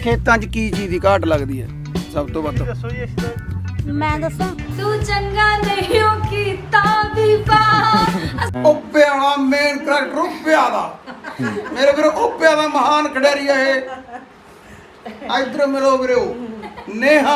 ਖੇਤਾਂ 'ਚ ਕੀ ਚੀਜ਼ ਦੀ ਘਾਟ ਲੱਗਦੀ ਹੈ ਸਭ ਤੋਂ ਵੱਧ? ਦੱਸੋ ਜੀ ਇਸ ਤੇ ਮੈਂ ਦੱਸਾਂ ਤੂੰ ਚੰਗਾ ਨਹੀਂ ਕੀਤਾ ਬੀਬਾ ਓਪੇ ਵਾਲਾ ਮੇਨ ਕਰੈਕਟਰ ਓਪਿਆ ਦਾ ਮੇਰੇ ਵੀਰੋ ਓਪਿਆ ਦਾ ਮਹਾਨ ਖਿਡਾਰੀ ਹੈ ਇਹ। ਇਧਰ ਮਿਲੋ ਵੀਰੋ ਨੇਹਾ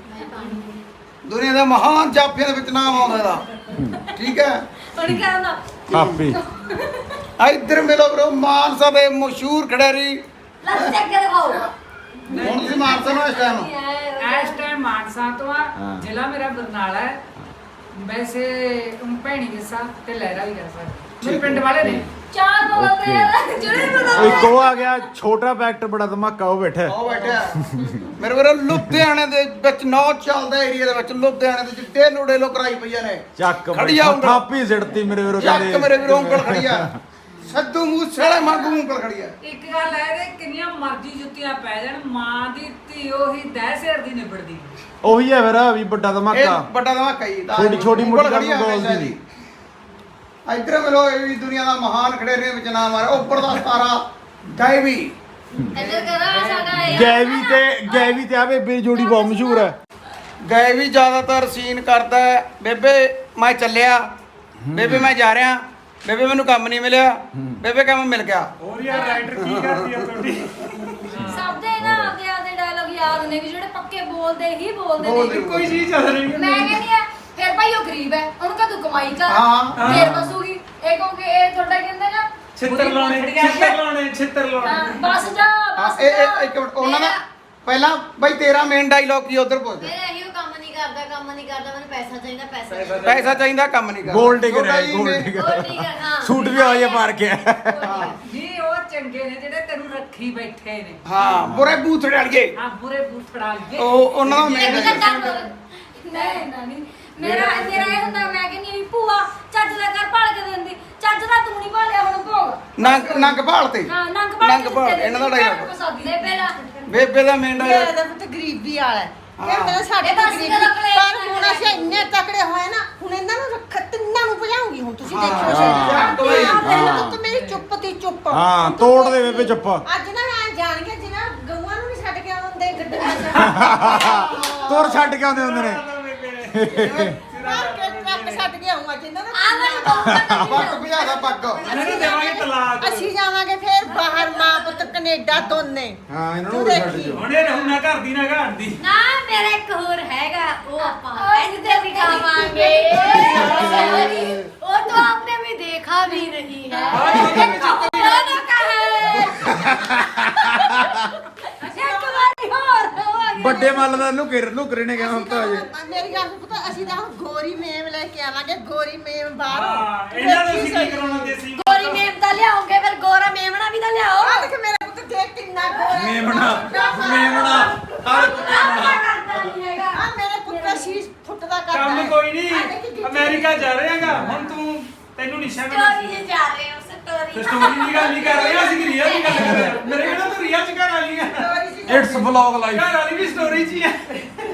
ਦੁਨੀਆ ਦਾ ਮਹਾਨ ਜਾਫੀਆਂ ਦੇ ਵਿੱਚ ਨਾਮ ਆਉਂਦਾ ਇਹਦਾ ਠੀਕ ਹੈ। ਹੁਣ ਕਹਿੰਦਾ ਹਾਪੀ ਇਧਰ ਮਿਲੋ ਵੀਰੋ ਮਾਨਸਾ ਦੇ ਮਸ਼ਹੂਰ ਖਿਡਾਰੀ। ਲੱਤ ਚੱਕ ਕੇ ਦਿਖਾਓ ਹੁਣ ਤੁਸੀਂ ਮਾਨਸਾ ਨੂੰ ਇਸ ਟਾਈਮ ਇਸ ਟਾਈਮ ਮਾਨਸਾ ਤੋਂ ਆ ਜ਼ਿਲ੍ਹਾ ਮੇਰਾ ਬਰਨਾਲਾ ਹੈ। ਵੈਸੇ ਭੈਣੀ ਜੱਸਾ ਤੇ ਲਹਿਰਾ ਵੀ ਕਰ ਸਕਦਾ ਮੇਰੇ ਪਿੰਡ ਵਾਲੇ ਨੇ। ਚਾਰ ਬੋਲਦੇ ਆ ਜਿਹੜੇ ਬੋਲਦੇ ਇੱਕ ਉਹ ਆ ਗਿਆ ਛੋਟਾ ਫੈਕਟਰ ਬੜਾ ਧਮਾਕਾ ਉਹ ਬੈਠਾ ਉਹ ਬੈਠਿਆ ਮੇਰੇ ਵੀਰੋ ਲੁਧਿਆਣੇ ਦੇ ਵਿੱਚ ਨੌ ਚੱਲਦਾ ਏਰੀਆ ਦੇ ਵਿੱਚ ਲੁਧਿਆਣੇ ਦੇ ਚਿੱਟੇ ਲੋੜੇ ਲੋ ਕਰਾਈ ਪਈਆਂ ਨੇ। ਚੱਕ ਖੜੀਆ ਉਂਗਲ। ਥਾਪੀ ਸਿੜਤੀ ਮੇਰੇ ਵੀਰੋ ਚੱਕ ਮੇਰੇ ਵੀਰੋ ਉਂਗਲ ਖੜੀ ਆ ਸੱਦੂ ਮੂਸੇਵਾਲੇ ਵਾਂਗੂ ਉਂਗਲ ਖੜੀ ਆ। ਇੱਕ ਗੱਲ ਹੈ ਕਿ ਕਿੰਨੀਆਂ ਮਰਜ਼ੀ ਜੁੱਤੀਆਂ ਪੈ ਜਾਣ ਮਾਂ ਦੀ ਧੀ ਉਹੀ ਦਹਿਸ਼ੇਰ ਦੀ ਨਿਬੜਦੀ। ਉਹੀ ਹੈ ਫਿਰ ਵੀ ਵੱਡਾ ਇਹ ਧਮਾਕਾ ਵੱਡਾ ਧਮਾਕਾ ਹੀ ਛੋਟੀ ਮੋਟੀ ਗੱਲ ਨੂੰ ਬੋਲਦੀ ਦੀ। ਇਧਰ ਮਿਲੋ ਇਹ ਵੀ ਦੁਨੀਆ ਦਾ ਮਹਾਨ ਖਿਡਾਰੀ ਦੇ ਵਿੱਚ ਨਾਮ ਆ ਰਿਹਾ ਉੱਪਰ ਦਾ ਸਤਾਰਾ ਗਾਇਵੀ। ਇੱਧਰ ਕਰਾ ਸਾਡਾ ਇਹ ਗੈਵੀ ਤੇ ਆ ਬੇਬੇ ਦੀ ਜੋੜੀ ਬਹੁਤ ਮਸ਼ਹੂਰ ਹੈ। ਗਾਇਵੀ ਜ਼ਿਆਦਾਤਰ ਸੀਨ ਕਰਦਾ ਹੈ ਬੇਬੇ ਮੈਂ ਚੱਲਿਆ, ਬੇਬੇ ਮੈਂ ਜਾ ਰਿਹਾ, ਬੇਬੇ ਮੈਨੂੰ ਕੰਮ ਨਹੀਂ ਮਿਲਿਆ, ਬੇਬੇ ਕੰਮ ਮਿਲ ਗਿਆ। ਹੋਰ ਯਾਰ ਰਾਈਟਰ ਕੀ ਕਰਦੀ ਆ ਤੁਹਾਡੀ? ਸਭ ਦੇ ਨਾ ਆਪਦੇ ਡਾਇਲੌਗ ਯਾਦ ਨੇ ਵੀ ਜਿਹੜੇ ਪੱਕੇ ਬੋਲਦੇ ਹੀ ਬੋਲਦੇ ਬੋਲਦੇ ਨੇ। ਕੋਈ ਚੀਜ਼ ਚੱਲ ਰਹੀ ਮੈਂ ਕਹਿੰਦੀ ਆ ਫਿਰ ਭਾਈ ਉਹ ਗਰੀਬ ਹੈ ਉਹਨੂੰ ਕਾ ਤੂੰ ਕਮਾਈ ਕਰ ਹਾਂ। ਫੇਰ ਬਸੂਗੀ ਇਹ ਕਹੋਗੇ ਇਹ ਤੁਹਾਡਾ ਕਹਿੰਦੇ ਨਾ ਛਿੱਤਰ ਲਾਉਣੇ ਹਾਂ, ਬਸ ਜਾ ਬਸ ਇਹ ਜਾ। ਇੱਕ ਮਿੰਟ ਉਹਨਾਂ ਦਾ ਪਹਿਲਾਂ ਬਾਈ ਤੇਰਾ ਮੇਨ ਡਾਇਲੌਗ ਕੀ ਉਧਰ ਪੁੱਛ ਮੇਰਾ ਇਹੋ ਕੰਮ ਨਹੀਂ ਕਰਦਾ ਮੈਨੂੰ ਪੈਸਾ ਚਾਹੀਦਾ ਪੈਸਾ ਚਾਹੀਦਾ ਪੈਸਾ ਚਾਹੀਦਾ ਕੰਮ ਨਹੀਂ ਕਰਦਾ। ਗੋਲਡ ਡਿਗਰ ਹੈ ਛੋਟਾ ਜੀ ਗੋਲਡ ਮੇਨ- ਹੋਰ ਡਿਗਰ ਠੀਕ ਹੈ ਹਾਂ ਸੂਟ ਵੀ ਆ ਮਾਰ ਕੇ ਜੀ ਉਹ ਚੰਗੇ ਨੇ ਜਿਹੜੇ ਤੈਨੂੰ ਰੱਖੀ ਬੈਠੇ ਨੇ। ਹਾਂ ਬੁਰੇ ਬੂਥੜੇ ਵਾਲੀਏ ਆ ਬੁਰੇ ਬੂਥੜਾ ਲਈਏ। ਉਹ ਉਹਨਾਂ ਦਾ ਮੇਨ ਇੱਕ ਘੰਟਾ ਨਹੀਂ ਨਹੀਂ ਮੇਰਾ ਇਹ ਹੁੰਦਾ ਮੈਂ ਕਹਿੰਦੀ ਵੀ ਭੂਆ ਚੱਜ ਦਾ ਕਰ ਭਾਲ ਕੇ ਦਿੰਦੀ ਚੱਜ ਦਾ ਤੂੰ ਨਹੀਂ ਭਾਲਿਆ ਹੁਣ ਭੋਗ ਨੰਗ ਭਾਲ ਤੇ ਹਾਂ ਨੰਗ ਭਾਲ ਨੰਗ ਭਾਲ ਇਹਨਾਂ ਦਾ ਡਾਇਲੌਗ ਦੇ ਪਹਿਲਾਂ ਬੇਬੇ ਦਾ ਮੇਨ ਡਾਇਲੌਗ ਇਹਦਾ ਪੁੱਤ ਗਰੀਬੀ ਵਾਲਾ ਹੈ ਹਾਂ। ਕਹਿੰਦਾ ਸਾਡੇ ਇਹ ਤਾਂ ਬਸ ਗਰੀਬੀ ਇਹਦਾ ਕਲੇਸ਼ ਪਰ ਨਾ ਹੁਣ ਕਰਿਆ ਅਸੀਂ ਇੰਨੇ ਤਕੜੇ ਹੋਏ ਨਾ ਹੁਣ ਇਹਨਾਂ ਨੂੰ ਤਿੰਨਾਂ ਨੂੰ ਭਜਾਉਂਗੀ ਹੁਣ ਤੁਸੀਂ ਦੇਖਿਓ ਹਾਂ। ਸਹੀ ਹਾਂ। ਪਹਿਲਾਂ ਤਾਂ ਮੇਰੀ ਚੁੱਪ ਤੀ ਚੁੱਪ ਹਾਂ, ਹੁਣ ਤੂੰ ਤੋੜ ਦੇ ਦੇਖ ਬੇਬੇ ਚੁੱਪ। ਅੱਜ ਨਾ ਮੈਂ ਜਾਣ ਕੇ ਜਿਨ੍ਹਾਂ ਗਊਆਂ ਨੂੰ ਨਹੀਂ ਛੱਡ ਕੇ ਆਉਂਦੇ ਗੱਡੀਆਂ 'ਚ ਤੁਰ ਛੱਡ ਕੇ ਆਉਂਦੇ ਹੁੰਦੇ ਨੇ ਮਾਰ ਕੇ ਟਰੱਕ ਛੱਡ ਕੇ ਆਉਂਗਾ ਜਿਨ੍ਹਾਂ ਆ ਮੈਂ ਦਾ ਪੱਗ ਭਜਾਦਾ ਪੱਗ ਇਹਨਾਂ ਨੂੰ ਦੇਵਾਂਗੇ ਤਲਾਕ। ਅਸੀਂ ਜਾਵਾਂਗੇ ਫੇਰ ਬਾਹਰ ਮਾਂ ਪੁੱਤ ਕੈਨੇਡਾ ਦੋਨੇ ਹਾਂ ਇਹਨਾਂ ਤੂੰ ਨੂੰ ਛੱਡ ਦੇਖੀ। ਦਿਓ ਹੁਣ ਇਹ ਰਹੂ ਨਾ ਘਰ ਦੀ ਨਾ ਘਾਟ ਦੀ। ਨਾ ਮੇਰਾ ਇੱਕ ਹੋਰ ਹੈਗਾ ਉਹ ਆਪਾਂ ਇੱਥੇ ਦਿਖਾਵਾਂਗੇ वो तो आपने भी देखा भी नहीं है दोनों का है ਇੱਕ ਵਾਰੀ ਹੋਰ ਵੱਡੇ ਮੱਲ ਦਾ ਲੁਕਰੇ ਨੇ ਕਿਹਾ ਹੁਣ ਤਾਂ ਅਜੇ ਮੇਰੀ ਗੱਲ ਪਤਾ ਅਸੀਂ ਤਾਂ ਹੁਣ ਗੋਰੀ ਮੇਮ ਲੈ ਕੇ ਆਵਾਂਗੇ ਗੋਰੀ ਮੇਮ ਬਾਹਰੋਂ ਹਾਂ ਇਹਨਾਂ ਨੂੰ ਅਸੀਂ ਕੀ ਕਰਾਉਣਾ ਦੇਸੀ गोरी मेम दा लियाओगे फिर गोरा मेमना भी दा लियाओ ਆ ਦੇਖ ਮੇਰਾ ਪੁੱਤ ਦੇਖ ਕਿੰਨਾ ਗੋਰਾ ਮੇਮਣਾ ਆ ਮੇਰੇ ਪੁੱਤ ਸ਼ੀਸ਼ ਫੁੱਟਦਾ ਕਰਦਾ ਕੰਮ ਹੈ। ਕੋਈ ਆ ਦੇਖੀ ਨਹੀਂ ਕਿੱਥੇ- ਅਮਰੀਕਾ ਜਾ ਰਹੇਗਾ ਹੁਣ ਤੂੰ ਤੈਨੂੰ ਨਿਸ਼ਾ स्टोरी से जा रहे हो स्टोरी ਸਟੋਰੀ ਦੀ ਗੱਲ ਨਹੀਂ ਕਰ ਰਹੇ ਅਸੀਂ ਰੀਅਲ ਦੀ ਗੱਲ ਕਰ ਰਹੇ ਹਾਂ। ਮੇਰੇ ਕਹਿੰਦਾ ਤੂੰ ਰੀਅਲ ਚ ਘਰ ਵਾਲੀ ਆ ਗੋਰੀ ਸੀ। It's vlog life. ਘਰ ਵਾਲੀ ਵੀ ਸਟੋਰੀ ਚ ਹੀ ਆ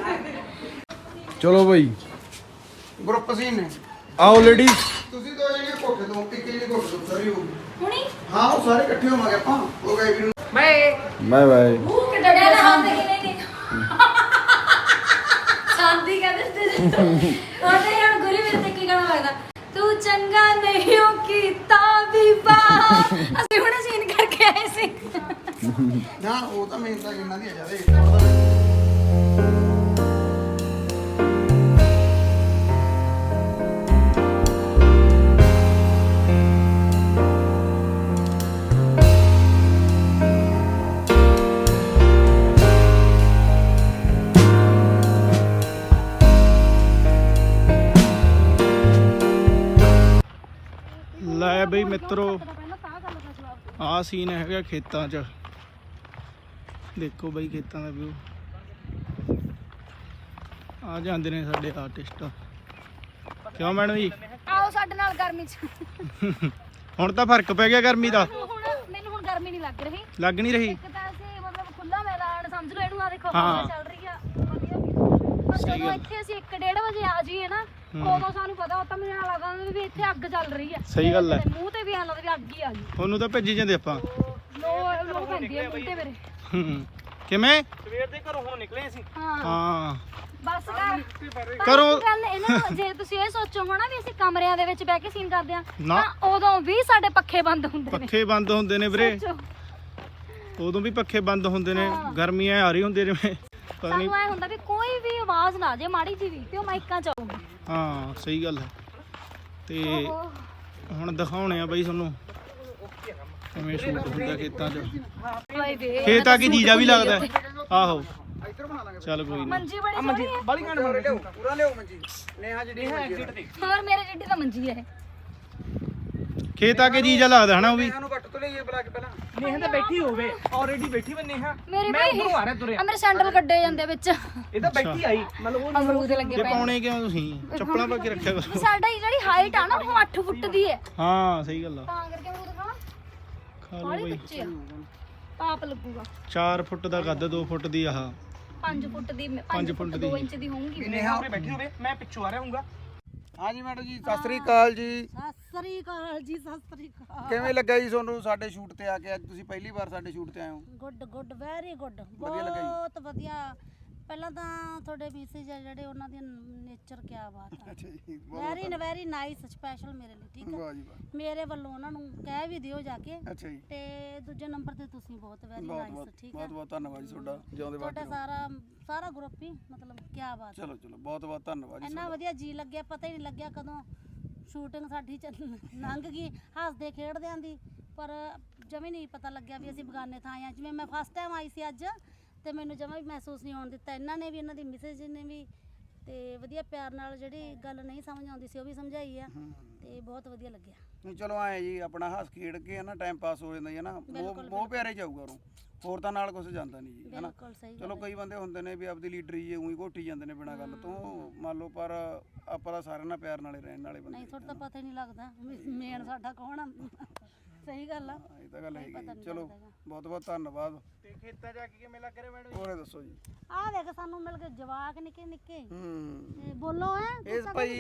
ਚਲੋ ਬਈ ਗਰੁੱਪ ਸੀਨ ਨੇ ਆਓ ਲੇਡੀਜ਼ ਤੁਸੀਂ ਦੋ ਜਣੇ ਕੋਠੇ ਤੋਂ ਇੱਕ ਜਿਹੜੀ ਕੋਠੇ ਤੋਂ ਸਾਰੀ ਹੋ ਹੁਣੀ ਹਾਂ ਉਹ ਸਾਰੇ ਇਕੱਠੇ ਹੋਵਾਂਗੇ ਆਪਾਂ ਉਹ ਗਾਇਵੀ ਨੂੰ ਬਾਏ ਬਾਏ ਬਾਏ ਉਹ ਕਿੱਡਾ ਡੇਲਾ ਹੱਥ ਕਿ ਨਹੀਂ शांति का दस्ते ਉਹਦੇ ਹੁਣ ਗੁਰੂ ਵੀਰ ਤੇ ਕੀ ਗਾਣਾ ਲੱਗਦਾ ਤੂੰ ਚੰਗਾ ਨਹੀਂ ਕੀਤਾ ਬੀਬਾ ਅਸੀਂ ਹੁਣੇ ਸੀਨ ਕਰਕੇ ਆਏ ਸੀ ਨਾ ਉਹ ਤਾਂ ਮੇਨ ਤਾਂ ਇਹਨਾਂ ਦੀ ਆ ਜਾਵੇ ਲੈ ਬਈ ਮਿੱਤਰੋ ਆਹ ਸੀਨ ਹੈਗਾ ਖੇਤਾਂ 'ਚ ਦੇਖੋ ਬਈ ਖੇਤਾਂ ਦਾ ਵਿਊ ਆ ਜਾਂਦੇ ਨੇ ਸਾਡੇ ਆਰਟਿਸਟ ਕਿਉਂ ਮੈਡਮ ਜੀ ਆਓ ਸਾਡੇ ਨਾਲ ਗਰਮੀ ਚ ਹੁਣ ਤਾਂ ਫਰਕ ਪੈ ਗਿਆ ਗਰਮੀ ਦਾ ਮੈਨੂੰ ਹੁਣ ਗਰਮੀ ਨਹੀਂ ਲੱਗ ਰਹੀ ਲੱਗ ਨਹੀਂ ਰਹੀ ਇੱਕ ਤਾਂ ਅਸੀਂ ਮਤਲਬ ਖੁੱਲਾ ਮੈਦਾਨ ਸਮਝ ਲਓ ਇਹਨੂੰ ਆ ਦੇਖੋ ਹਾਂ। ਹਵਾ ਚੱਲ ਰਹੀ ਆ ਵਧੀਆ view। ਪਰ ਸਹੀ ਜਦੋਂ ਗੱਲ। ਇੱਥੇ ਅਸੀਂ 1:30 ਵਜੇ ਆ ਜਾਈਏ ਨਾ ਉਦੋਂ ਸਾਨੂੰ ਪਤਾ ਤਾਂ ਮੈਨੂੰ ਐਂ ਲੱਗਦਾ ਵੀ ਇੱਥੇ ਅੱਗ ਚੱਲ ਰਹੀ ਆ ਸਹੀ ਗੱਲ ਹੈ। ਮੂੰਹ ਤੇ ਵੀ ਐਂ ਲੱਗਦਾ ਵੀ ਅੱਗ ਹੀ ਆ ਗਈ ਤੁਹਾਨੂੰ ਤਾਂ ਭੇਜੀ ਜਾਂਦੇ ਆਪਾਂ ਲੋ ਪੈਂਦੀ ਆ ਮੂੰਹ ਤੇ ਮੇਰੇ ਹੂੰ। ਕਿਵੇਂ ਸਵੇਰ ਦੇ ਘਰੋਂ ਹੁਣ ਨਿਕਲੇ ਸੀ। ਹਾਂ ਬਸ ਕਰ ਕਰੋ। ਗੱਲ ਇਹਨਾਂ ਨੂੰ ਜੇ ਤੁਸੀਂ ਇਹ ਸੋਚੋ ਹੋਣਾ ਵੀ ਅਸੀਂ ਕਮਰਿਆਂ ਦੇ ਵਿੱਚ ਬਹਿ ਕੇ ਸੀਨ ਕਰਦੇ ਆ ਨਾ। ਤਾਂ ਉਦੋਂ ਵੀ ਸਾਡੇ ਪੱਖੇ ਬੰਦ ਹੁੰਦੇ ਨੇ। ਪੱਖੇ ਬੰਦ ਹੁੰਦੇ ਨੇ ਵੀਰੇ, ਸੋਚੋ। ਉਦੋਂ ਵੀ ਪੱਖੇ ਬੰਦ ਹੁੰਦੇ ਨੇ, ਗਰਮੀਆਂ ਆ ਰਹੀ ਹੁੰਦੀ ਜਿਵੇਂ ਪਤਾ ਨਹੀਂ। ਸਾਨੂੰ ਐ ਹੁੰਦਾ ਵੀ ਕੋਈ ਵੀ ਆਵਾਜ਼ ਨਾ ਜੇ ਮਾੜੀ ਜੀ ਵੀ ਤੇ ਉਹ ਮਾਈਕਾਂ ਚ ਆਊਗੀ। ਹਾਂ ਸਹੀ ਗੱਲ ਹੈ। ਤੇ ਓਹੋ। ਹੁਣ ਦਿਖਾਉਣੇ ਆ ਬਾਈ ਤੁਹਾਨੂੰ ਕਿਵੇਂ ਸ਼ੂਟ ਹੁੰਦਾ ਖੇਤਾਂ 'ਚ। ਹਾਏ ਵੇ ਖੇਤ ਆ ਕੇ ਜੀਜਾ ਵੀ ਲੱਗਦਾ ਹੈ। ਆਹੋ ਚੱਲ ਕੋਈ ਨਹੀਂ। ਮੰਜੀ ਬੜੀ ਸੋਹਣੀ ਹੈ। ਬਾਲੀ ਗਾਣ ਬਣ ਲਿਓ ਪੂਰਾ ਲਿਓ ਮੰਜੀ ਨੇਹਾ ਜਿਹੜੀ ਐਗਜ਼ਿਟ ਤੇ ਹੋਰ ਮੇਰੇ ਜਿੱਡੀ ਤਾਂ ਮੰਜੀ ਹੈ ਖੇਤ ਆ ਕੇ ਜੀਜਾ ਲੱਗਦਾ ਹਨਾ ਉਹ ਵੀ। ਨੇਹਾ ਨੂੰ ਵੱਟ ਤੋਂ ਲਈਏ ਬੁਲਾ ਕੇ ਪਹਿਲਾਂ। ਨੇਹਾ ਤਾਂ ਬੈਠੀ ਹੋਵੇ, ਆਲਰੇਡੀ ਬੈਠੀ ਵੇ ਨੇਹਾ। ਮੇਰੀ ਮੈਂ ਬਈ ਉਧਰੋਂ ਆ ਰਿਹਾ ਤੁਰਿਆ, ਆ ਮੇਰੇ ਸੈਂਡਲ ਕੱਢੇ ਜਾਂਦੇ ਵਿੱਚ ਇਹ ਤਾਂ ਬੈਠੀ ਆਈ ਮਤਲਬ ਉਹ ਅਮਰੂਦ ਲੱਗੇ ਤੇ ਪਏ ਪਾਉਣੇ ਕਿਉਂ ਤੁਸੀਂ ਚੱਪਲਾਂ ਪਾ ਕੇ ਰੱਖਿਆ ਕਰੋ। ਵੀ ਸਾਡੀ ਜਿਹੜੀ ਹਾਈਟ ਆ ਨਾ ਉਹ 8 ਫੁੱਟ ਦੀ ਹੈ ਹਾਂ ਸਹੀ ਗੱਲ ਆ। ਤਾਂ ਕਰਕੇ ਅਮਰੂਦ ਖਾਣਾ ਖਾ ਲਓ ਬਾਹਲੀ ਬਾਈ। ਬੱਚੇ ਆ ਪਾਪ ਲੱਗੂਗਾ 4 ਫੁੱਟ ਦਾ ਕੱਦ, 2 ਫੁੱਟ ਦੀ ਆਹ 5 ਫੁੱਟ ਦੀ 5 ਪੰਜ ਫੁੱਟ ਫੁੱਟ 2 ਦੀ। ਇੰਚ ਦੀ ਹੋਊਗੀ ਨੇਹਾ ਉਰੇ ਬੈਠੀ ਹੋਵੇ, ਮੈਂ ਪਿੱਛੋਂ ਆ ਰਿਹਾ ਹੂੰਗਾ। ਹਾਂਜੀ ਮੈਡਮ ਜੀ ਸਤਿ ਸ੍ਰੀ ਅਕਾਲ ਜੀ। ਸਤਿ ਸ੍ਰੀ ਅਕਾਲ ਜੀ, ਸਤਿ ਸ੍ਰੀ ਅਕਾਲ। ਕਿਵੇਂ ਲੱਗਾ ਜੀ ਤੁਹਾਨੂੰ ਸਾਡੇ ਸ਼ੂਟ ਤੇ ਆ ਕੇ? ਅੱਜ ਤੁਸੀਂ ਪਹਿਲੀ ਵਾਰ ਸਾਡੇ ਸ਼ੂਟ ਤੇ ਆਏ ਹੋ। ਗੁੱਡ ਗੁੱਡ ਵੈਰੀ ਗੁੱਡ, ਵਧੀਆ ਲੱਗਾ ਜੀ। ਬਹੁਤ ਵਧੀਆ। ਪਹਿਲਾਂ ਤਾਂ ਤੁਹਾਡੇ ਮੈਸੇਜ ਆ ਜਿਹੜੇ ਉਹਨਾਂ ਦੀ ਨੇਚਰ ਕਿਆ ਬਾਤ ਹੈ। ਅੱਛਾ ਜੀ ਵੈਰੀ ਨਾਈਸ, ਸਪੈਸ਼ਲ ਮੇਰੇ ਲਈ, ਠੀਕ ਹੈ। ਵਾਹ ਜੀ ਵਾਹ। ਮੇਰੇ ਵੱਲੋਂ ਉਹਨਾਂ ਨੂੰ ਕਹਿ ਵੀ ਦਿਓ ਜਾ ਕੇ। ਅੱਛਾ ਜੀ ਤੇ ਦੂਜੇ ਨੰਬਰ ਤੇ ਤੁਸੀਂ ਬਹੁਤ ਵੈਰੀ ਬਹੁਤ ਨਾਈਸ, ਬਹੁਤ ਠੀਕ ਹੈ। ਬਹੁਤ ਬਹੁਤ ਧੰਨਵਾਦ ਜੀ ਤੁਹਾਡਾ, ਜਿਉਂਦੇ ਤੁਹਾਡਾ ਵਾਸਤੇ। ਸਾਰਾ ਗਰੁੱਪ ਹੀ ਮਤਲਬ ਕਿਆ ਬਾਤ ਹੈ। ਚਲੋ ਚਲੋ ਬਹੁਤ ਬਹੁਤ ਧੰਨਵਾਦ ਜੀ ਇੰਨਾ ਵਧੀਆ ਜੀ ਲੱਗਿਆ, ਪਤਾ ਹੀ ਨਹੀਂ ਲੱਗਿਆ ਕਦੋਂ ਸ਼ੂਟਿੰਗ ਸਾਡੀ ਲੰਘ ਗਈ ਹੱਸਦੇ ਖੇਡਦਿਆਂ ਦੀ। ਪਰ ਜਮੀ ਨਹੀਂ ਪਤਾ ਲੱਗਿਆ ਵੀ ਅਸੀਂ ਬਗਾਨੇ ਥਾਂ ਆਏ ਹਾਂ। ਜਿਵੇਂ ਮੈਂ ਫਸਟ ਟਾਈਮ ਆਈ ਸੀ ਅੱਜ, ਤੇ ਮੈਨੂੰ ਜਮਾ ਵੀ ਮਹਿਸੂਸ ਨਹੀਂ ਹੋਣ ਦਿੱਤਾ। ਇਹਨਾਂ ਨੇ ਵੀ, ਇਹਨਾਂ ਦੀ ਮਿਸੇਜ ਨੇ ਵੀ, ਤੇ ਵਧੀਆ ਪਿਆਰ ਨਾਲ ਜਿਹੜੀ ਗੱਲ ਨਹੀਂ ਸਮਝ ਆਉਂਦੀ ਸੀ ਉਹ ਵੀ ਸਮਝਾਈ ਆ, ਤੇ ਬਹੁਤ ਵਧੀਆ ਲੱਗਿਆ। ਨਹੀਂ ਚਲੋ ਆਏ ਜੀ, ਆਪਣਾ ਹੱਸ ਖੇਡ ਕੇ ਨਾ ਟਾਈਮ ਪਾਸ ਹੋ ਜਾਂਦਾ ਜੀ ਨਾ। ਬਹੁਤ ਪਿਆਰੇ ਜਾਊਗਾ ਉਹ, ਹੋਰ ਤਾਂ ਨਾਲ ਕੁਝ ਜਾਂਦਾ ਨਹੀਂ ਜੀ ਹਨਾ। ਬਿਲਕੁਲ ਸਹੀ ਚਲੋ ਕਈ ਬੰਦੇ ਹੁੰਦੇ ਨੇ ਵੀ ਆਪਦੀ ਲੀਡਰੀ ਜੇ ਉਹੀ ਘੋਟੀ ਜਾਂਦੇ ਨੇ ਬਿਨਾਂ ਗੱਲ ਤੋਂ, ਮੰਨ ਲਓ। ਪਰ ਆਪਾਂ ਤਾਂ ਸਾਰਿਆਂ ਨਾਲ ਪਿਆਰ ਨਾਲੇ ਰਹਿਣ ਵਾਲੇ ਬੰਦੇ। ਨਹੀਂ ਤੁਹਾਡਾ ਤਾਂ ਪਤਾ ਹੀ ਨਹੀਂ ਲੱਗਦਾ ਮੇਨ ਸਾਡਾ ਕੌਣ ਆ। ਸਹੀ ਗੱਲ ਆ। ਇਹ ਤਾਂ ਗੱਲ ਹੈਗੀ ਜੀ। ਚਲੋ ਬਹੁਤ ਬਹੁਤ ਧੰਨਵਾਦ। ਤੇ ਖੇਤਾਂ ਜਾ ਕੇ ਕਿਵੇਂ ਲੱਗ ਰਿਹਾ ਮੈਡਮ? ਹੋਰੇ ਦੱਸੋ ਜੀ। ਆਹ ਦੇਖ ਸਾਨੂੰ ਮਿਲ ਕੇ ਜਵਾਕ ਨਿੱਕੇ ਨਿੱਕੇ। ਹੂੰ ਤੇ ਬੋਲੋ ਹੈ ਇਸ ਭਾਈ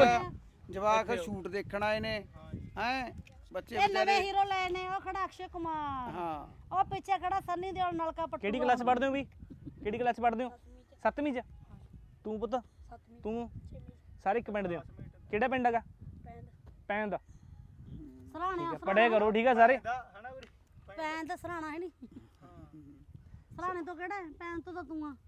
ਜਵਾਕ ਸ਼ੂਟ ਦੇਖਣ ਆਏ ਨੇ ਹੈ ਬੱਚੇ ਇਹ ਨਵੇਂ ਵਿਚਾਰੇ। ਹੀਰੋ ਲਏ ਨੇ। ਉਹ ਖੜਾ ਅਕਸ਼ੇ ਕੁਮਾਰ, ਹਾਂ ਉਹ ਪਿੱਛੇ ਖੜਾ ਸੰਨੀ ਦਿਓਲ ਨਲਕਾ ਪੱਟੂ। ਕਿਹੜੀ ਕਲਾਸ ਪੜ੍ਹਦੇ ਹੋ ਵੀ? ਕਿਹੜੀ ਕਲਾਸ ਪੜ੍ਹਦੇ ਹੋ? 7ਵੀਂ ਚ? ਤੂੰ ਪੁੱਤ? ਤੂੰ? ਸਾਰੇ ਇੱਕ ਪਿੰਡ ਦੇ ਹੋ? ਕਿਹੜਾ ਪਿੰਡ ਹੈਗਾ? ਪੈਂਦ। ਸਰਾਣਾ ਪੜ੍ਹਿਆ ਕਰੋ ਠੀਕ ਆ ਸਾਰੇ। ਪੈਨ ਤਾਂ ਸਰਾਣਾ ਹੈ ਨਹੀਂ। ਸਰਾਣੇ ਤੋਂ ਕਿਹੜਾ ਹੈ? ਪੈਨ ਤੋਂ ਤਾਂ ਤੂੰ ਆ।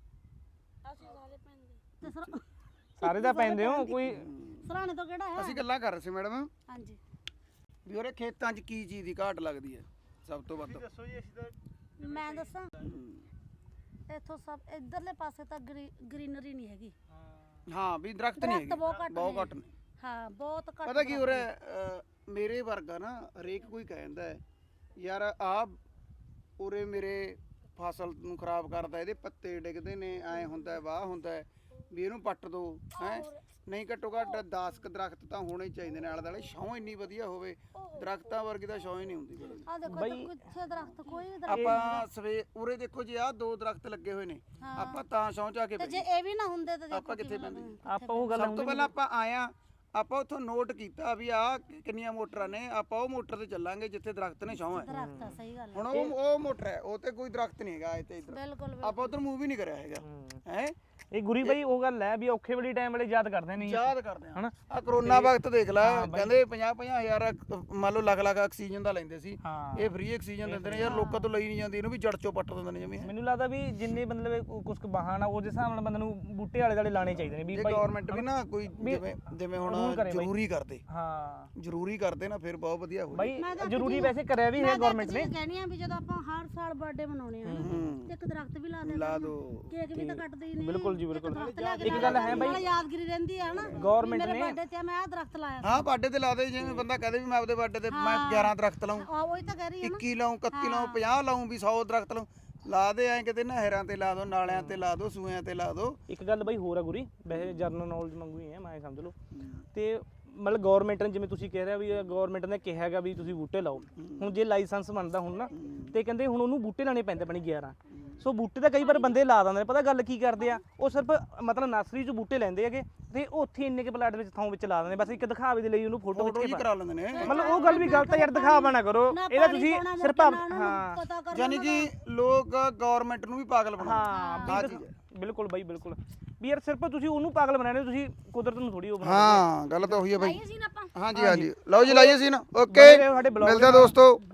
ਤੇ ਸਾਰੇ ਤਾਂ ਪੈਂਦੇ ਹੋ ਕੋਈ? ਸਰਾਣੇ ਤੋਂ ਕਿਹੜਾ ਹੈ? ਅਸੀਂ ਗੱਲਾਂ ਕਰ ਰਹੇ ਸੀ ਮੈਡਮ ਹਾਂਜੀ। ਵੀ ਉਹਰੇ ਖੇਤਾਂ 'ਚ ਕੀ ਚੀਜ਼ ਦੀ ਘਾਟ ਲੱਗਦੀ ਹੈ ਸਭ ਤੋਂ ਵੱਧ? ਦੱਸੋ ਜੀ। ਅਸੀਂ ਤਾਂ ਮੈਂ ਦੱਸਾਂ, ਇੱਥੋਂ ਸਭ ਇਧਰਲੇ ਪਾਸੇ ਤਾਂ ਗ੍ਰੀਨਰੀ ਨਹੀਂ ਹੈਗੀ। ਹਾਂ ਵੀ ਦਰਖਤ ਨਹੀਂ ਦਰਖਤ ਬਹੁਤ ਹੈਗੇ, ਘੱਟ ਬਹੁਤ ਨੇ। ਘੱਟ ਨੇ। ਹਾਂ ਬਹੁਤ ਘੱਟ। ਪਤਾ ਕੀ ਹੋ ਰਿਹਾ ਮੇਰੇ ਵਰਗਾ ਨਾ ਹਰੇਕ ਕੋਈ ਕਹਿੰਦਾ ਹੈ ਯਾਰ ਆ ਉਰੇ ਮੇਰੇ ਫਸਲ ਨੂੰ ਖਰਾਬ ਕਰਦਾ, ਇਹਦੇ ਪੱਤੇ ਡਿੱਗਦੇ ਨੇ, ਐ ਹੁੰਦਾ ਵਾਹ ਹੁੰਦਾ ਹੈ ਵੀ ਇਹਨੂੰ ਪੱਟ ਦੋ ਹੈ। ਨਹੀਂ ਘੱਟੋ ਘੱਟ 10 ਕ ਦਰਖਤ ਤਾਂ ਹੋਣੇ ਹੀ ਚਾਹੀਦੇ ਨੇ ਆਲੇ ਦੁਆਲੇ। ਛਾਂ ਇੰਨੀ ਵਧੀਆ ਹੋਵੇ, ਦਰਖਤਾਂ ਵਰਗੀ ਤਾਂ ਛਾਂ ਹੀ ਨਹੀਂ ਹੁੰਦੀ ਬਿਲਕੁਲ। ਆ ਦੇਖੋ ਇੱਧਰ ਕਿੱਥੇ ਦਰਖਤ, ਕੋਈ ਵੀ ਦਰਖਤ ਆਪਾਂ ਸਵੇ ਉਰੇ ਦੇਖੋ ਜੀ ਆਹ 2 ਦਰਖਤ ਲੱਗੇ ਹੋਏ ਨੇ, ਆਪਾਂ ਤਾਂ ਛਾਂ ਚ ਆ ਕੇ ਤੇ ਬੈਠੇ। ਜੇ ਇਹ ਵੀ ਨਾ ਹੁੰਦੇ ਤਾਂ ਦੇਖੋ ਆਪਾਂ ਕਿੱਥੇ ਪੈਂਦੇ? ਆਪਾਂ ਉਹ ਗੱਲ ਸਭ ਤੋਂ ਪਹਿਲਾਂ ਆਪਾਂ ਆਇਆ, ਆਪਾਂ ਉੱਥੋਂ ਨੋਟ ਕੀਤਾ ਵੀ ਆਹ ਕਿੰਨੀਆਂ ਮੋਟਰਾਂ ਨੇ, ਆਪਾਂ ਉਹ ਮੋਟਰ ਤੇ ਚੱਲਾਂਗੇ ਜਿੱਥੇ ਦਰਖਤ ਨੇ, ਛਾਂ ਹੈ। ਦਰਖਤ ਆ, ਸਹੀ ਗੱਲ ਹੈ। ਹੁਣ ਉਹ ਮੋਟਰ ਹੈ, ਉਹ ਤੇ ਕੋਈ ਦਰਖਤ ਨਹੀਂ ਹੈਗਾ ਇੱਥੇ ਇੱਧਰ। ਬਿਲਕੁਲ ਆਪਾਂ ਉਧਰ ਮੂਵ ਹੀ ਨਹੀਂ ਕਰਿਆ ਹੈਗਾ ਹੈ। ਇਹ ਗੁਰੀ ਬਾਈ ਉਹ ਗੱਲ ਹੈ ਵੀ ਔਖੇ ਵੇਲੇ ਟਾਈਮ ਵੇਲੇ ਯਾਦ ਕਰਦੇ ਨਹੀਂ ਯਾਦ ਕਰਦੇ ਆ ਹਨਾ। ਆ ਕਰੋਨਾ ਵਕਤ ਦੇਖ ਲੈ, ਕਹਿੰਦੇ 50 ਹਜ਼ਾਰ ਮੰਨ ਲਓ ਲੱਖ ਆਕਸੀਜਨ ਦਾ ਲੈਂਦੇ ਸੀ, ਹਾਂ। ਇਹ ਫ੍ਰੀ ਆਕਸੀਜਨ ਦਿੰਦੇ ਨੇ ਯਾਰ। ਲੋਕਾਂ ਤੋਂ ਲਈ ਨਹੀਂ ਜਾਂਦੀ, ਇਹਨੂੰ ਵੀ ਜੜ ਚੋਂ ਪੱਟ ਦਿੰਦੇ ਨੇ ਜਿਵੇਂ। ਮੈਨੂੰ ਲੱਗਦਾ ਵੀ ਜਿੰਨੇ ਮਤਲਬ ਕੁਝ ਬਹਾਨਾ ਉਹਦੇ ਹਿਸਾਬ ਨਾਲ ਬੰਦੇ ਨੂੰ ਬੂਟੇ ਵਾਲੇ ਦੁਆਲੇ ਲਾਣੇ ਚਾਹੀਦੇ ਨੇ ਵੀ ਜੇ ਭਾਈ। ਗਵਰਨਮੈਂਟ ਵੀ ਨਾ ਕੋਈ ਜਿਵੇਂ ਹੁਣ ਜ਼ਰੂਰੀ ਕਰਦੇ, ਹਾਂ ਜ਼ਰੂਰੀ ਕਰਦੇ ਨਾ, ਫਿਰ ਬਹੁਤ ਵਧੀਆ ਹੋ ਬਾਈ ਜ਼ਰੂਰੀ ਵੈਸੇ ਕਰਿਆ ਵੀ ਹੈ ਗਵਰਨਮੈਂਟ ਨੇ। ਕਹਿਣੀ ਆ ਵੀ ਜਦੋਂ ਆਪਾਂ ਹਰ ਸਾਲ ਬਰਥਡੇ ਮਨਾਉਣੇ ਆ ਤੇ ਇੱਕ ਦਰਖਤ ਵੀ ਲਾ ਲਾ ਦੋ। ਕੇਕ ਵੀ ਤਾਂ ਕੱਟਦੇ ਹੀ ਨੇ। ਬਿਲਕੁਲ ਜੀ ਬਿਲਕੁਲ। ਇੱਕ ਗੱਲ ਹੈ ਬਾਈ, ਯਾਦਗਿਰੀ ਰਹਿੰਦੀ ਹੈ ਨਾ। ਗਵਰਨਮੈਂਟ ਮੇਰੇ ਬਰਥਡੇ ਤੇ ਮੈਂ ਆਹ ਦਰਖਤ ਲਾਇਆ। ਹਾਂ ਬਰਥਡੇ ਤੇ ਲਾ ਦੇ, ਜਿਵੇਂ ਬੰਦਾ ਕਹਦੇ ਵੀ ਮੈਂ ਆਪਦੇ ਬਰਥਡੇ ਤੇ ਮੈਂ 11 ਦਰਖਤ ਲਾਉਂ, ਆ ਉਹੀ ਤਾਂ ਕਹਿ ਰਹੀ ਆ 21 ਲਾਉਂ, 31 ਲਾਉਂ, 50 ਲਾਉਂ, ਵੀ 100 ਦਰਖਤ ਲਾਉਂ। ਲਾ ਦੇ ਐਂ ਕਿਤੇ ਨਹਿਰਾਂ ਤੇ ਲਾ ਦੋ, ਨਾਲਿਆਂ ਤੇ ਲਾ ਦੋ, ਸੂਇਆਂ ਤੇ ਲਾ ਦੋ। ਇੱਕ ਗੱਲ ਬਾਈ ਹੋਰ ਆ ਗੁਰੀ, ਵੈਸੇ ਜਰਨਲ ਨੌਲੇਜ ਮੰਗੂ ਹੀ ਹੈ ਮੈਂ ਸਮਝ ਲਓ। ਤੇ ਮਤਲਬ ਗਵਰਨਮੈਂਟ ਨੇ ਜਿਵੇਂ ਤੁਸੀਂ ਕਹਿ ਰਹੇ ਵੀ ਗਵਰਨਮੈਂਟ ਨੇ ਕਿਹਾ ਹੈਗਾ ਵੀ ਤੁਸੀਂ ਬੂਟੇ ਲਾਓ। ਹੁਣ ਜੇ ਲਾਇਸੈਂਸ ਬਣਦਾ ਹੁਣ ਨਾ, ਤੇ ਕਹਿੰਦੇ ਹੁਣ ਉਹਨੂੰ ਬੂਟੇ ਲਾਣੇ ਪੈਂਦੇ ਬਣੀ 11। ਸੋ ਬੂਟੇ ਤਾਂ ਕਈ ਵਾਰ ਬੰਦੇ ਲਾ ਦਿੰਦੇ ਨੇ, ਪਤਾ ਗੱਲ ਕੀ ਕਰਦੇ ਆ, ਉਹ ਸਿਰਫ ਮਤਲਬ ਨਰਸਰੀ 'ਚ ਬੂਟੇ ਲੈਂਦੇ ਹੈਗੇ ਤੇ ਉੱਥੇ ਇੰਨੇ ਕੇ ਪਲਾਟ ਵਿੱਚ ਥਾਂ ਵਿੱਚ ਲਾ ਦਿੰਦੇ, ਬਸ ਇੱਕ ਦਿਖਾਵੇ ਦੇ ਲਈ ਉਹਨੂੰ ਫੋਟੋ ਫੋਟੋ ਖਿੱਚ ਜੀ ਕੇ ਕਰਾ ਲੈਂਦੇ ਨੇ। ਮਤਲਬ ਉਹ ਗੱਲ ਵੀ ਗਲਤ ਹੈ ਯਾਰ, ਦਿਖਾਵਾ ਨਾ ਕਰੋ ਨਾ ਇਹਦਾ ਪਾਣੀ ਤੁਸੀਂ ਪਾਉਣਾ, ਸਿਰਫ ਮੁੜ ਕੇ ਨਾ ਉਹਨਾਂ ਨੂੰ ਹਾਂ ਪਤਾ ਕਰਨਾ ਯਾਨੀ ਕਿ ਲੋਕ ਗਵਰਨਮੈਂਟ ਨੂੰ ਵੀ ਪਾਗਲ ਬਣਾਉਂਦੇ ਹਾਂ ਆਹ ਵੀ ਚੀਜ਼ ਹੈ। ਬਿਲਕੁਲ ਬਾਈ ਬਿਲਕੁਲ ਵੀ ਯਾਰ ਸਿਰਫ ਤੁਸੀਂ ਉਹਨੂੰ ਪਾਗਲ ਬਣਾਣੇ, ਤੁਸੀਂ ਕੁਦਰਤ ਨੂੰ ਥੋੜੀ ਉਹ ਬਣਾਉਂਦੇ ਹਾਂ ਗੱਲ ਤਾਂ ਉਹੀ ਹੈ ਬਾਈ। ਆਈਏ ਸੀ ਨਾ ਆਪਾਂ ਹਾਂਜੀ ਹਾਂਜੀ ਲਓ ਜੀ ਲਾਈਏ ਸੀ ਨਾ ਓਕੇ ਬਣੇ ਰਹੋ ਸਾਡੇ ਬਲੌਗ ਮਿਲਦੇ ਆ ਦੋਸਤੋ।